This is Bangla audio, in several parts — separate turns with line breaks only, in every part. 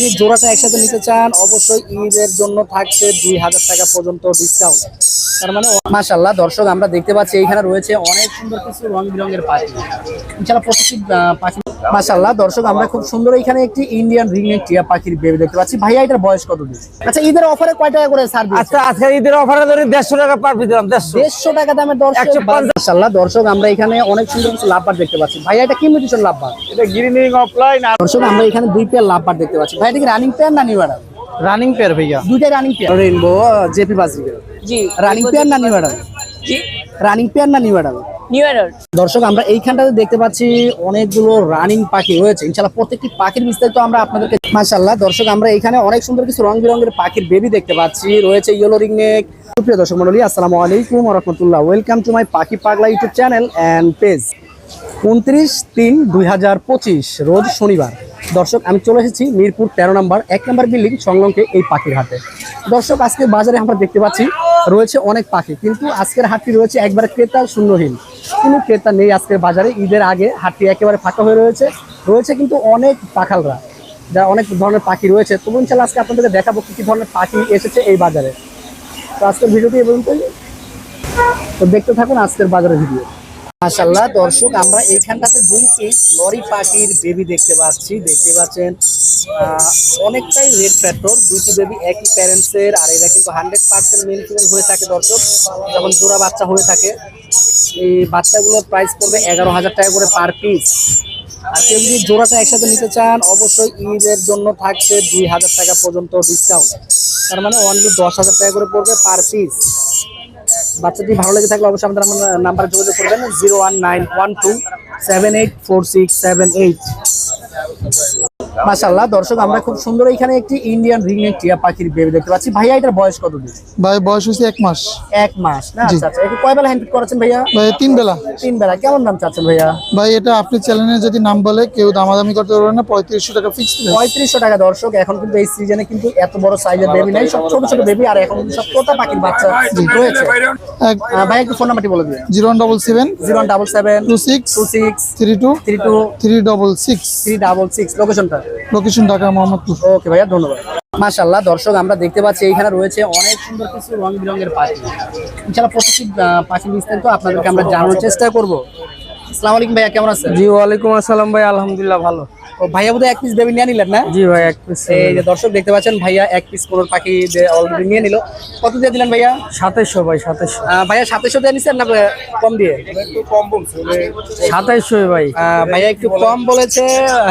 যদি জোড়াটা একসাথে নিতে চান অবশ্যই ঈদের জন্য থাকছে 2000 টাকা পর্যন্ত ডিসকাউন্ট। তার মানে মাশাআল্লাহ দর্শক আমরা দেখতে পাচ্ছি এখানে রয়েছে অনেক সুন্দর কিছু রং বেরঙের পাখি। ইনশাআল্লাহ প্রত্যেকটি পাখি মাশাআল্লাহ দর্শক আমরা খুব সুন্দর এখানে একটি ইন্ডিয়ান রিংনেক টিয়া পাখির বেবি দেখতে পাচ্ছি। ভাইয়া এটার বয়স কত দিন? আচ্ছা ঈদের অফারে কয় টাকা করে ছাড় দিচ্ছেন?
আচ্ছা আজকে ঈদের অফারে ধরে 150 টাকা পার পিস দিলাম।
150 টাকা দামের দর্শক মাশাআল্লাহ দর্শক আমরা এখানে অনেক সুন্দর কিছু লাভবার দেখতে পাচ্ছি। ভাইয়া এটা কি মিউটেশন লাভবার?
এটা গ্রিনিং অফলাইন।
দর্শক আমরা এখানে দুই পেয়ার লাভবার দেখতে পাচ্ছি। ভাই এটা কি রানিং পেয়ার না নিউ অ্যাডাল?
রানিং পেয়ার ভাইয়া,
দুইটাই running pair. Rainbow JP Baazigar
জি
রানিং পেয়ার না নিউ অ্যাডাল?
জি
রানিং পেয়ার না নিউ অ্যাডাল?
New year.
দর্শক আমরা এইখানটাতে দেখতে পাচ্ছি অনেকগুলো রানিং পাখি রয়েছে। ইনশাআল্লাহ প্রত্যেকটি পাখির বিস্তারিত আমরা আপনাদেরকে মাশাআল্লাহ দর্শক আমরা এখানে অনেক সুন্দর কিছু রং বেরঙের পাখির বেবি দেখতে পাচ্ছি। রয়েছে ইয়েলো রিংনেক। সুপ্রিয় দর্শক মণ্ডলী আসসালামু আলাইকুম ওয়া রাহমাতুল্লাহ। ওয়েলকাম টু মাই পাখি পাগলা ইউটিউব চ্যানেল এন্ড পেজ। 29/3/2025 রোজ শনিবার দর্শক আমি চলে এসেছি মিরপুর 13 নম্বর 1 নম্বর বিল্ডিং সংলগ্ন এই পাখির হাটে। দর্শক আজকে বাজারে আমরা দেখতে পাচ্ছি রয়েছে অনেক পাখি, কিন্তু আজকের হাটটি রয়েছে একবারে ক্রেতা শূন্যহীন। কোনো ক্রেতা নেই আজকের বাজারে। ঈদের আগে হাটটি একেবারে ফাঁকা হয়ে রয়েছে কিন্তু অনেক পাখালরা যা অনেক ধরনের পাখি রয়েছে। তবু ইনশাআল্লাহ আজকে আপনাদেরকে দেখাবো কি ধরনের পাখি এসেছে এই বাজারে। তো আজকের ভিডিওটি এই পর্যন্তই, তো দেখতে থাকুন আজকের বাজারের ভিডিও। মাশাআল্লাহ দর্শক আমরা এইখানটাতে দুই পিস লরি পাখির বেবি দেখতে পাচ্ছেন অনেকটাই রেড ফ্যাক্টর। দুইটি বেবি একই প্যারেন্টসের, আর এরা কিন্তু 100% মেল ফিমেল হয়ে থাকে দর্শক, যখন জোড়া বাচ্চা হয়ে থাকে। এই বাচ্চাগুলোর প্রাইস পড়বে 11,000 টাকা করে পার পিস। আর কেউ যদি জোড়াটা একসাথে নিতে চান অবশ্যই ঈদের জন্য থাকছে 2000 টাকা পর্যন্ত ডিসকাউন্ট। তার মানে অনলি 10,000 টাকা করে পড়বে পার পিস। বাচ্চাটি ভালো লেগে থাকলে অবশ্যই আমাদের নাম্বারে যোগাযোগ করবেন 01912784678। মাশাআল্লাহ দর্শক আমরা খুব সুন্দর এখানে একটি ইন্ডিয়ান রিংনেক টিয়া পাখির বেবি দেখতে পাচ্ছি। ভাইয়া এটার বয়স কত দিন?
ভাই বয়স হচ্ছে 1 মাস।
1 মাস না? আচ্ছা আচ্ছা। এটা কয় বেলা হ্যান্ড ফিড করাচ্ছেন ভাইয়া?
ভাই 3 বেলা।
3 বেলা। কেমন দাম চাচ্ছেন ভাইয়া?
ভাই এটা আপনি চ্যানেলে যদি নাম বলে কেউ দামাদামি করতে পারবে না, 3500 টাকা ফিক্সড।
3500 টাকা দর্শক। এখন কিন্তু এই সিজনে কিন্তু এত বড় সাইজের বেবি নাই, সব ছোট ছোট বেবি, আর এখন কিন্তু সব তোতা পাখির বাচ্চা রয়েছে। ভাই একটু ফোন নাম্বারটি বলে দিন।
0177
077
26
26
32
32
366
366। লোকেশনটা?
লোকেশন ঢাকা মোহাম্মদপুর।
ওকে ভাইয়া ধন্যবাদ। মাশাআল্লাহ দর্শক আমরা দেখতে পাচ্ছি এখানে রয়েছে অনেক সুন্দর কিছু রং বেরঙের পাখি। ইনশাআল্লাহ প্রত্যেকটি পাখির বিস্তারিত আপনাদেরকে আমরা জানানোর চেষ্টা করব। আসসালামু আলাইকুম ভাইয়া, কেমন আছেন?
জি ওয়ালাইকুম আসসালাম ভাই, আলহামদুলিল্লাহ ভালো।
ও ভাইয়া বোধহয় 1 পিস বেবি নিয়ে নিলেন না?
জি ভাই 1 পিস।
এই যে দর্শক দেখতে পাচ্ছেন ভাইয়া 1 পিস কোন পাখি অলরেডি নিয়ে নিল। কত দিয়ে দিলেন ভাইয়া?
2700 ভাই 2700।
ভাইয়া 2700 দিয়ে নিছেন না কম দিয়ে? একটু কম বলছে
2700 ভাই।
ভাইয়া একটু কম বলেছে।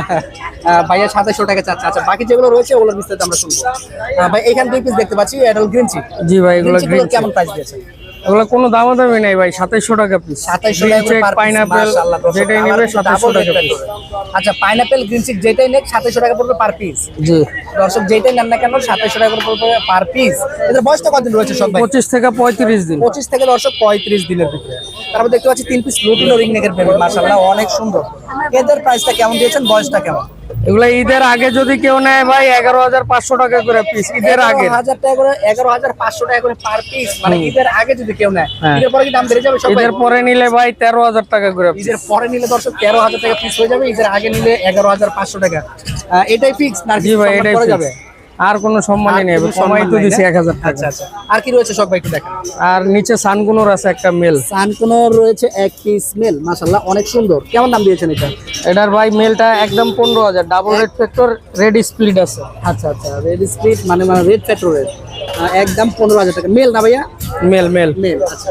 ভাইয়া 2700 টাকা চাচ্ছে। আচ্ছা বাকি যেগুলো রয়েছে ওগুলোর বিস্তারিত আমরা শুনবো। ভাই এখানে 2 পিস দেখতে পাচ্ছি অ্যাডাল্ট গ্রিন চিক।
জি ভাই এগুলো গ্রিন চিক।
কেমন প্রাইস দিয়েছেন?
এগুলো কোনো দামাদামি নাই ভাই, 2700 টাকা পিস।
2700 টাকা
চেক পাইনাপল যেটাই নেবে 2700 টাকা পিস।
আচ্ছা পাইনাপল গ্রিন চিক যেটাই নেক 2700 টাকা পড়বে পার পিস।
জি
দর্শক যেটাই নেন না কেন 2700 টাকা করে পড়বে পার পিস। এদের বয়সটা কতদিন রয়েছে সব ভাই?
25 থেকে 35 দিন।
25 থেকে দর্শক 35 দিনের ভিতরে। তারপর দেখতে পাচ্ছি 3 পিস লুটিনো রিংনেকের বেবি মাশাআল্লাহ অনেক সুন্দর। এদের প্রাইসটা কেমন দিয়েছেন, বয়সটা কেমন?
এগুলা ঈদের আগে যদি কেউ নেয় ভাই 11500 টাকা করে পিস। ঈদের আগে
11,000 টাকা করে 11500 টাকা করে পার পিস। মানে ঈদের আগে যদি কেউ নেয় ঈদের পরে কি দাম বেড়ে যাবে? সব
ঈদের পরে নিলে ভাই 13000 টাকা করে পিস।
ঈদের পরে নিলে দর্শক 13000 টাকা পিস হয়ে যাবে, ঈদের আগে নিলে 11500 টাকা। এটাই ফিক্স না?
জি ভাই এটাই
করা যাবে,
আর কোনো সম্মানই নেই, সময় তো দিছি 1000 টাকা।
আচ্ছা আচ্ছা। আর কি রয়েছে সব ভাই একটু দেখেন।
আর নিচে সানগুনোর আছে একটা মেল।
সানকুনোর রয়েছে 1 পিস মেল মাশাআল্লাহ অনেক সুন্দর। কেমন দাম দিয়েছেন এটা?
এটার ভাই মেলটা একদম 15000, double red factor, red split আছে।
আচ্ছা আচ্ছা রেড স্প্লিট মানে রেড ফ্যাক্টরের একদম 15000 টাকা মেল না ভাইয়া?
Male male
male. আচ্ছা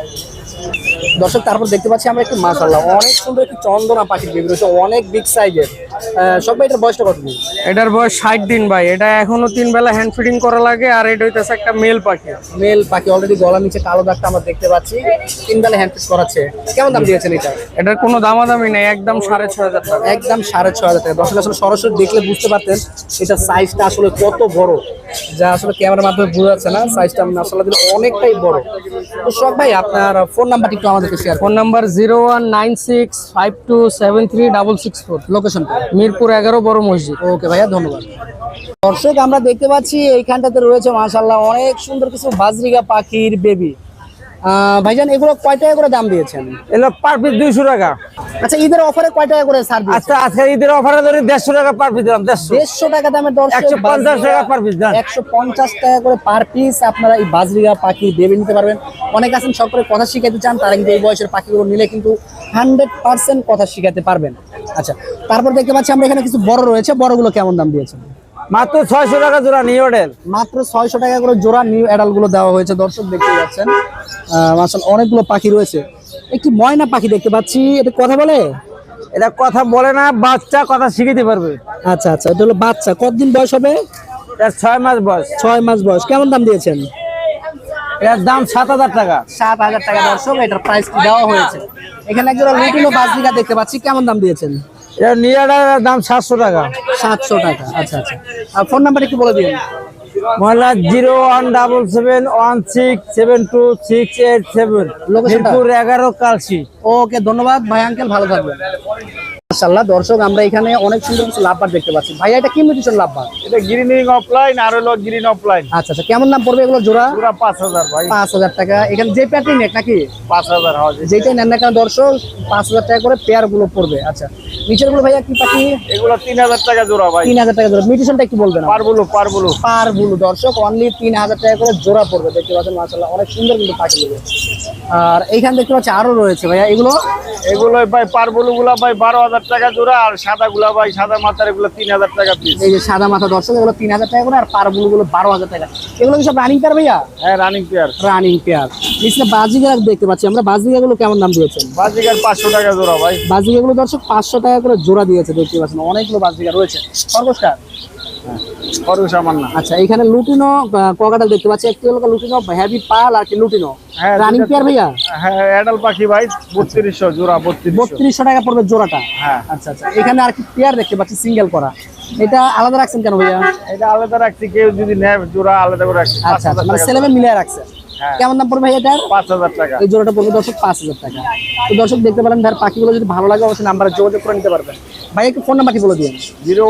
দর্শক তারপর দেখতে পাচ্ছি আমরা একটু মাশাআল্লাহ অনেক সুন্দর একটু চন্দনা পাখির বেবি রয়েছে, অনেক বিগ সাইজের। সব ভাই এটার বয়সটা কত দিন?
এটার বয়স 60 দিন ভাই। এটা এখনো 3 বেলা হ্যান্ড ফিডিং করা লাগে। আর এটা হইতেছে একটা মেল পাখি।
মেল পাখি অলরেডি গলার নিচে কালো দাগটা আমরা দেখতে পাচ্ছি। 3 বেলা হ্যান্ড ফিড করাচ্ছে। কেমন দাম দিয়েছেন এটা?
এটার কোনো দামাদামি নেই, একদম 6500 টাকা।
একদম 6500 টাকা। দর্শক আসলে সরাসরি দেখলে বুঝতে পারতেন এটা সাইজটা আসলে কত বড়, যা আসলে ক্যামেরার মাধ্যমে বোঝা যাচ্ছে না। সাইজটা আসলে অনেকটাই বড়। তো সব ভাই আপনার ফোন নাম্বারটি একটু আমাদেরকে শেয়ার।
Phone number 01965273664।
লোকেশনটা?
মিরপুর 11 বড় মসজিদ।
ওকে ভাইয়া ধন্যবাদ। দর্শক আমরা দেখতে পাচ্ছি এইখানটাতে রয়েছে মাশাআল্লাহ অনেক সুন্দর কিছু বাজরিগা পাখির বেবি। ভাইজান এগুলো কয় টাকা করে দাম দিয়েছেন?
এগুলো পার পিস 200 টাকা।
আচ্ছা ঈদের অফারে কয় টাকা করে ছাড় দিয়েছেন?
আচ্ছা আজকে ঈদের অফারে ধরে 150 টাকা পার পিস দিলাম।
150 টাকা দামের দর্শক
150 টাকা পার পিস দেন।
150 টাকা করে পার পিস আপনারা এই বাজরিয়া পাখি দেবে নিতে পারবেন। অনেক আছেন সব করে কথা শিখাতে চান, তারা কিন্তু এই বয়সের পাখিগুলো নিলে কিন্তু 100% কথা শিখাতে পারবেন। আচ্ছা তারপর দেখতে পাচ্ছি আমরা এখানে কিছু বড় রয়েছে, বড়গুলো কেমন দাম দিয়েছেন?
মাত্র 600 টাকা জোড়া নিউ অ্যাডাল।
মাত্র 600 টাকা করে জোড়া নিউ অ্যাডাল গুলো দেওয়া হয়েছে। দর্শক দেখতে পাচ্ছেন মাশাআল্লাহ অনেকগুলো পাখি রয়েছে। একটি ময়না পাখি দেখতে পাচ্ছি, এটা কথা বলে?
এটা কথা বলে না, বাচ্চা কথা শিখাতে পারবে।
আচ্ছা আচ্ছা, এটা হলো বাচ্চা। কতদিন বয়স হবে?
এর 6 মাস বয়স।
6 মাস বয়স। কেমন দাম দিয়েছেন?
এর দাম 7000 টাকা।
7000 টাকা দর্শক এটার প্রাইস দেওয়া হয়েছে। এখানে একজোড়া লুটিনো বাজরিকা দেখতে পাচ্ছি, কেমন দাম দিয়েছেন?
এর নিউ অ্যাডালের দাম 700 টাকা।
700 টাকা। আচ্ছা আচ্ছা, আর ফোন নাম্বার একটু বলে দিন।
মোবাইল 01776726687, মিরপুর 11 কালসি।
ওকে ধন্যবাদ ভাই আঙ্কেল, ভালো থাকবেন। মাশাআল্লাহ দর্শক আমরা এখানে অনেক সুন্দর কিছু লাভবার দেখতে পাচ্ছি। ভাইয়া এটা কি মিউটেশন লাভবার?
এটা গ্রিনিং অফলাইন আর হলো গ্রিন অফলাইন।
আচ্ছা আচ্ছা, কেমন দাম পড়বে এগুলো জোড়া?
পুরো 5000 ভাই।
5000 টাকা। এখানে যে প্যাটার্ন নেক নাকি
5000 হবে।
যেটাই নেন না কেন দর্শক 5000 টাকা করে পেয়ার গুলো পড়বে। আচ্ছা নিচের গুলো ভাইয়া কি পাখি?
এগুলো 3000 টাকা জোড়া ভাই।
3000 টাকা জোড়া। মিউটেশনটা একটু বলবেন?
পারবুলু পারবুলু
পারবুলু দর্শক অনলি 3000 টাকা করে জোড়া পড়বে। দেখতে পাচ্ছেন মাশাআল্লাহ অনেক সুন্দর কিন্তু পাখি গুলো। আর এইখানে দেখতে পাচ্ছি আরো রয়েছে ভাইয়া, এগুলো
এগুলো ভাই পারবুলু গুলা ভাই 12000 টাকা জোড়া, আর সাদা গুলা ভাই সাদা মাথার এগুলো 3000 টাকা পিস।
এই যে সাদা মাথা দর্শক এগুলো 3000 টাকা করে, আর পারবুলু গুলো 12000 টাকা। এগুলো কি সব রানিং পেয়ার ভাইয়া?
হ্যাঁ রানিং পেয়ার।
Running pair. নিচে বাজিগা দেখতে পাচ্ছি আমরা, বাজিগা গুলো কেমন দাম দিয়েছেন?
বাজিকার 500 টাকা জোড়া ভাই।
বাজিগা গুলো দর্শক 500 টাকা করে জোড়া দিয়েছে। দেখতে পাচ্ছেন অনেকগুলো বাজিগা রয়েছে। খরগোশটা
খরচ আমার না।
আচ্ছা এখানে লুটিনো ককাটা দেখতে পাচ্ছি, একটি হলো লুটিনো হেভি পাল আর কি লুটিনো।
হ্যাঁ,
রানিং পেয়ার ভাইয়া?
হ্যাঁ অ্যাডাল পাখি ভাই 3200 জোড়া।
3200 টাকা পড়বে জোড়াটা।
হ্যাঁ।
আচ্ছা আচ্ছা, এখানে আর কি পেয়ার দেখতে পাচ্ছি সিঙ্গেল করা, এটা আলাদা রাখছেন কেন ভাইয়া?
এটা আলাদা রাখছি, কেউ যদি নেয় জোড়া আলাদা করে রাখছি।
আচ্ছা আচ্ছা, মানে সেলেমে মিলিয়ে রাখছেন।
হ্যাঁ।
কেমন দাম পড়বে ভাই এটার?
5000 টাকা।
এই জোড়াটা পড়বে দর্শক 5000 টাকা। তো দর্শক দেখতে পারেন ভাই পাখিগুলো যদি ভালো লাগে অবশ্যই নাম্বারে যোগাযোগ করে নিতে পারবেন। ভাই একটু ফোন নাম্বারটি বলে দিন।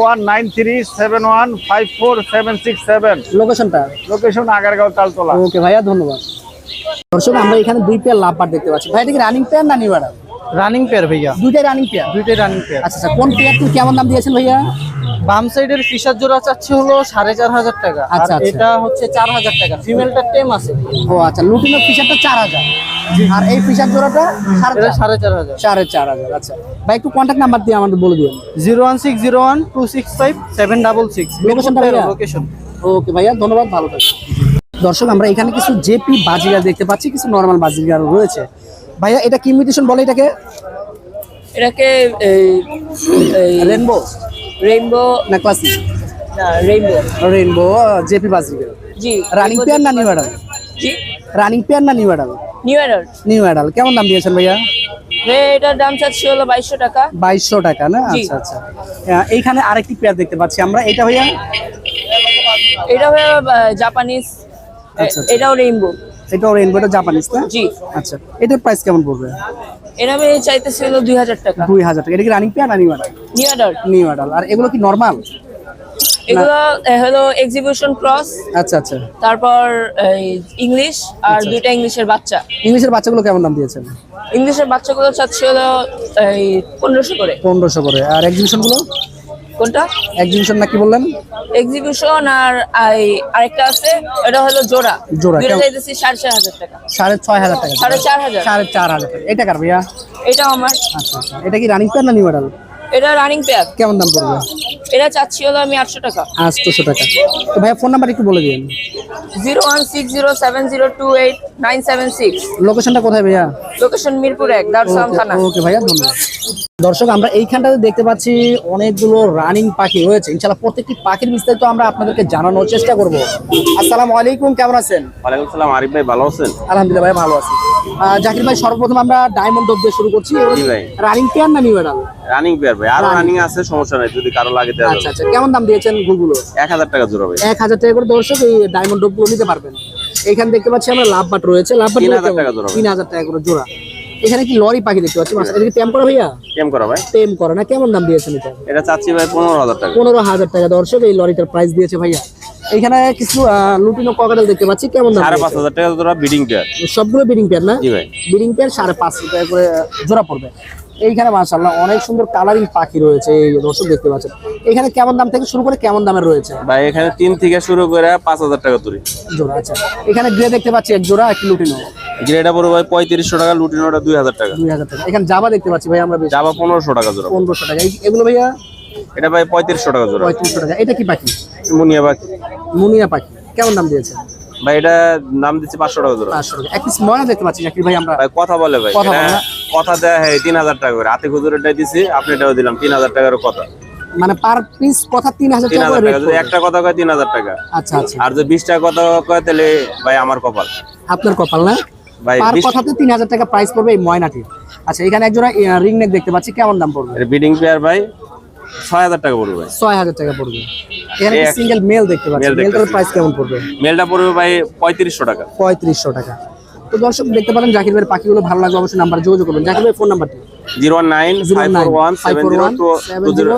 01937154767।
লোকেশনটা?
লোকেশন আগারগাঁও তালতলা।
ওকে ভাইয়া ধন্যবাদ। দর্শক আমরা এখানে দুই পেয়ার লাভবার দেখতে পাচ্ছি। ভাই এটা কি রানিং পেয়ার না নিউ অ্যাডাল?
রানিং পেয়ার ভাইয়া।
দুইটাই রানিং পেয়ার?
দুইটাই রানিং পেয়ার।
আচ্ছা আচ্ছা, কোন পেয়ারটি কেমন দাম দিয়েছেন ভাইয়া?
বাম সাইডের ফিশার জোড়া চাচ্ছি হলো 4500 টাকা।
আচ্ছা, আচ্ছা।
এটা হচ্ছে 4000 টাকা। ফিমেলটা টেম আছে।
ও আচ্ছা, লুটিনো ফিশারটা 4000 আর এই ফিশার জোড়াটা
এটা 4500।
4500। আচ্ছা ভাই একটু কন্ট্যাক্ট নাম্বার দিয়ে আমাদের বলে দিন।
01601265766।
লোকেশনটা ভাইয়া?
লোকেশন।
ওকে ভাইয়া ধন্যবাদ, ভালো থাকবেন। দর্শক আমরা এখানে কিছু জেপি বাজিগার দেখতে পাচ্ছি, কিছু নরমাল বাজিগার রয়েছে। ভাইয়া এটা কি মিউটেশন বলে এটাকে?
এটাকে
রেনবো
রেইনবো
না ক্লাসিক?
না রেইনবো।
Rainbow JP Baazigar.
জি
রানিং পেয়ার না নিউ অ্যাডাল?
জি
রানিং পেয়ার না new adult?
New adult.
New adult. কেমন দাম দিয়েছেন ভাইয়া?
এটার দাম চাচ্ছি হলো 2200 টাকা।
2200 টাকা না?
জি।
আচ্ছা আচ্ছা, এইখানে আরেকটি পেয়ার দেখতে পাচ্ছি আমরা, এটা ভাইয়া?
এটা হলো জাপানিজ।
আচ্ছা।
এটাও রেইনবো।
এটাও রেনবো, এটা জাপানিজ না?
জি।
আচ্ছা এটার প্রাইস কেমন পড়বে?
এটা আমি চাইতেছি হলো 2000 টাকা।
2000 টাকা। এটা কি রানিং পেয়ার না new adult?
New adult.
New adult. আর এগুলো কি নরমাল?
এগুলো হলো এক্সিবিশন ক্রস,
আচ্ছা আচ্ছা।
তারপর ইংলিশ আর দুইটা ইংলিশের বাচ্চা।
ইংলিশের বাচ্চাগুলো কেমন দাম দিয়েছেন?
ইংলিশের বাচ্চাগুলো চাচ্ছি হলো 1500 করে।
1500 করে। আর এক্সিবিশন গুলো?
কোনটা?
এক্সিবিশন না কি বললেন?
এক্সিবিশন আর আরেকটা আছে, এটা হলো জোড়া।
জোড়া
দুইটা
কেমন?
চাইতেছি 4500 টাকা।
4500 টাকা।
4500।
4500 টাকা। এটা কার ভাইয়া?
এটা আমার।
আচ্ছা আচ্ছা, এটা কি রানিং পেয়ার না নিউ অ্যাডাল?
এটা রানিং পেয়ার।
কেমন দাম পড়বে?
এটা চাচ্ছি হলো আমি 800 টাকা।
800 টাকা। তো ভাইয়া ফোন নাম্বার একটু বলে দিন।
01607028976।
লোকেশনটা কোথায় ভাইয়া?
লোকেশন মিরপুর 1, দারুসালাম থানা।
ওকে ভাইয়া ধন্যবাদ। দর্শক আমরা এইখানটাতে দেখতে পাচ্ছি অনেকগুলো রানিং পাখি রয়েছে। ইনশাআল্লাহ প্রত্যেকটি পাখির বিস্তারিত আমরা আপনাদেরকে জানানোর চেষ্টা করব। আসসালামু আলাইকুম, কেমন আছেন?
ওয়ালাইকুম সালাম। আরিফ ভাই ভালো আছেন?
আলহামদুলিল্লাহ ভাই ভালো আছি। জাকির ভাই সর্বপ্রথম আমরা ডায়মন্ড ডব দিয়ে শুরু করছি।
জি ভাই।
রানিং পেয়ার না নিউ অ্যাডাল?
রানিং পেয়ার ভাই। আরো
Running।
রানিং আছে, সমস্যা নাই, যদি কারো লাগে দেওয়া
আচ্ছা
যাবে।
আচ্ছা, কেমন দাম দিয়েছেন গুলগুলো?
1000 টাকা জোড়া ভাই।
1000 টাকা করে দর্শক এই ডায়মন্ড ডবগুলো নিতে পারবেন। এখানে দেখতে পাচ্ছি আমরা লাভ বাট রয়েছে। লাভ বাট
3000 টাকা জোড়া।
3000 টাকা করে জোড়া। এখানে কি লরি পাখি দেখতে পাচ্ছি? এটা কি টেম করা ভাইয়া?
কেম করা ভাই।
টেম করা না? কেমন দাম দিয়েছেন এটা?
এটা চাচ্ছি ভাই 15000 টাকা।
15000 টাকা দর্শক এই লরিটার প্রাইস দিয়েছে ভাইয়া। এখানে কিছু লুটিনো ককাটেল দেখতে পাচ্ছি, কেমন দাম?
5,500 টাকা জোড়া বিডিং পেয়ার।
সবগুলো বিডিং পেয়ার না?
জি ভাই।
বিডিং পেয়ার 550 টাকা করে জোড়া পড়বে। এইখানে মাশাআল্লাহ অনেক সুন্দর কালারিং পাখি রয়েছে, এই দর্শক দেখতে পাচ্ছেন। এখানে কেমন দাম থেকে শুরু করে কেমন দামের রয়েছে
ভাই এখানে 3 থেকে শুরু করে 5,000 টাকা তুলি
জোড়া? আচ্ছা, এখানে গ্রে দেখতে পাচ্ছি এক জোড়া, একটি লুটিনো।
গ্রেডা পড়বে ভাই 3500 টাকা, লুটিনোটা 2000 টাকা।
2000 টাকা। এখানে জাবা দেখতে পাচ্ছি ভাই আমরা,
জাবা 1500 টাকা জোড়া।
1500 টাকা। এগুলো ভাইয়া
এটা ভাই 3500 টাকা জোড়া।
3500 টাকা। এটা কি পাখি?
মুনিয়া বাকি
মুনিয়া পাখি। কেমন দাম দিয়েছে
ভাই? এটা নাম দিচ্ছি 500 টাকা জোড়া।
500 টাকা। এক পিস ময়না দেখতে পাচ্ছি জাকির ভাই আমরা।
ভাই কথা বলে ভাই,
কথা বলে
এটা
না?
কথা দেয়া হয় 3000 টাকা করে। হাতে খুচুরেটাই দিছি, আপনি এটাও দিলাম 3000 টাকার কথা।
মানে পার পিস কথা 3000 টাকা
3000
করে
টাকা।
rate
যদি
পড়বে।
একটা কথা কয় 3000 টাকা।
আচ্ছা আচ্ছা,
আর যদি 20টা কথা কয় তাহলে ভাই আমার কপাল।
আপনার কপাল না?
ভাই
পার কথাতে 3000 টাকা প্রাইস পড়বে এই ময়নাটির। আচ্ছা, এখানে এক জোড়া রিং নেক দেখতে পাচ্ছি, কেমন দাম পড়বে?
এটা বিডিং পেয়ার ভাই 6000 টাকা পড়বে ভাই।
6000 টাকা পড়বে। এখানে
এই
সিঙ্গেল মেল দেখতে পাচ্ছি,
male
মেলটার
দেখতেছি।
প্রাইস কেমন পড়বে?
মেলটা পড়বে ভাই 3500 টাকা।
3500 টাকা। তো দর্শক দেখতে পারেন জাকির ভাইয়ের পাখিগুলো ভালো লাগবে অবশ্যই নাম্বার যোগাযোগ করবেন। জাকির ভাই ফোন নাম্বারটি
01954170243।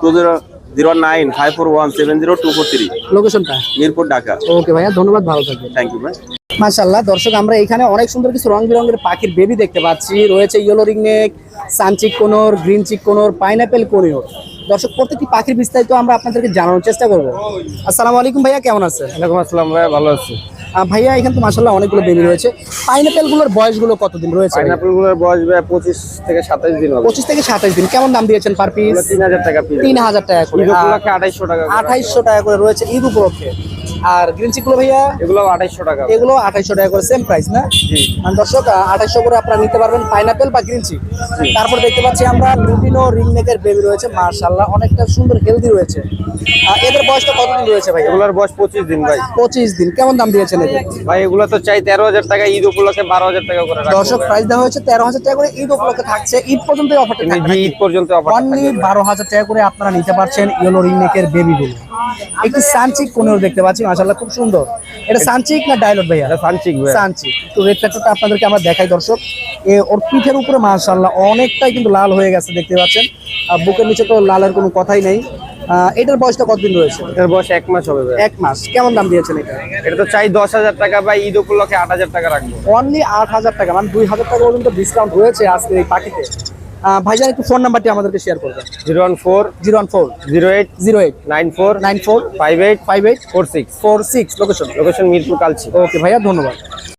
09541702430।
লোকেশনটা?
মিরপুর, ঢাকা।
ওকে ভাইয়া, ধন্যবাদ, ভালো থাকবেন।
থ্যাংক ইউ ভাই।
মাশাআল্লাহ দর্শক, আমরা এখানে অনেক সুন্দর কিছু রং বেরঙের পাখির বেবি দেখতে পাচ্ছি। রয়েছে yellow ringneck, suncheek conure, green cheek conure, pineapple conure. দর্শক প্রত্যেকটি পাখির বিস্তারিত আমরা আপনাদেরকে জানানোর চেষ্টা করব। আসসালামু আলাইকুম ভাইয়া, কেমন আছেন?
ওয়ালাইকুম আসসালাম ভাই, ভালো আছি।
ভাইয়া এখানে তো মাশাআল্লাহ অনেকগুলো বেবি রয়েছে। পাইনাপেল গুলোর বয়সগুলো কতদিন রয়েছে?
পাইনাপেল গুলোর বয়স ভাই 25 থেকে 27 দিন হবে।
25 থেকে 27 দিন। কেমন দাম দিয়েছেন পার পিস?
3000 টাকা পিস।
3000 টাকা করে।
ঈদ উপলক্ষে 2800 টাকা।
2800 টাকা করে রয়েছে ঈদ উপলক্ষে। আর গ্রিন চিক গুলো ভাইয়া?
এগুলো 2800 টাকা।
এগুলো 2800 টাকা করে, সেম প্রাইস না?
জি।
মানে দর্শক 2800 করে আপনারা নিতে পারবেন পাইনাপেল বা গ্রিন চিক। তারপর দেখতে পাচ্ছি আমরা লুটিনো রিংনেকের বেবি রয়েছে, মাশাআল্লাহ অনেকটা সুন্দর হেলদি রয়েছে। এদের বয়সটা কতদিন রয়েছে ভাই?
এগুলোর বয়স 25 দিন ভাই।
25 দিন। কেমন দাম দিয়েছেন এদের?
ভাই এগুলো তো চাই 13000 টাকা, ঈদ উপলক্ষে 12000 টাকা করে রাখবো।
দর্শক প্রাইস দেওয়া হয়েছে 13000 টাকা করে, ঈদ উপলক্ষে থাকছে। ঈদ পর্যন্ত অফারটা থাকবে।
জি, ঈদ পর্যন্ত অফার
অনলি 12000 টাকা করে আপনারা নিতে পারছেন ইয়েলো রিংনেকের বেবিগুলো। একটি সানচিক কোনর দেখতে পাচ্ছি, মাশাআল্লাহ খুব সুন্দর। এটা সানচিক না ডায়লট ভাইয়া?
এটা সানচিক ভাই।
সানচিক। তো রেড ফ্যাক্টরটা আপনাদেরকে আমরা দেখাই দর্শক। ওর পিঠের উপরে মাশাআল্লাহ অনেকটাই কিন্তু লাল হয়ে গেছে দেখতে পাচ্ছেন। আর বুকের নিচে তো লালের কোনো কথাই নেই। এটার বয়সটা কতদিন রয়েছে?
এর বয়স 1 মাস হবে ভাই।
1 মাস। কেমন দাম দিয়েছেন এটা?
এটা তো চাই 10000 টাকা ভাই, ঈদ উপলক্ষে 8000 টাকা রাখবো।
অনলি 8000 টাকা, মানে 2000 টাকা পর্যন্ত ডিসকাউন্ট রয়েছে আজকে এই পাখিতে। ভাইজান একটু ফোন নাম্বারটি আমাদেরকে শেয়ার করবেন।
014
014
08
08
94
94
58
58
46।
46। Location?
Location Mirpur, Kalshi.
Okay ভাইয়া, ধন্যবাদ।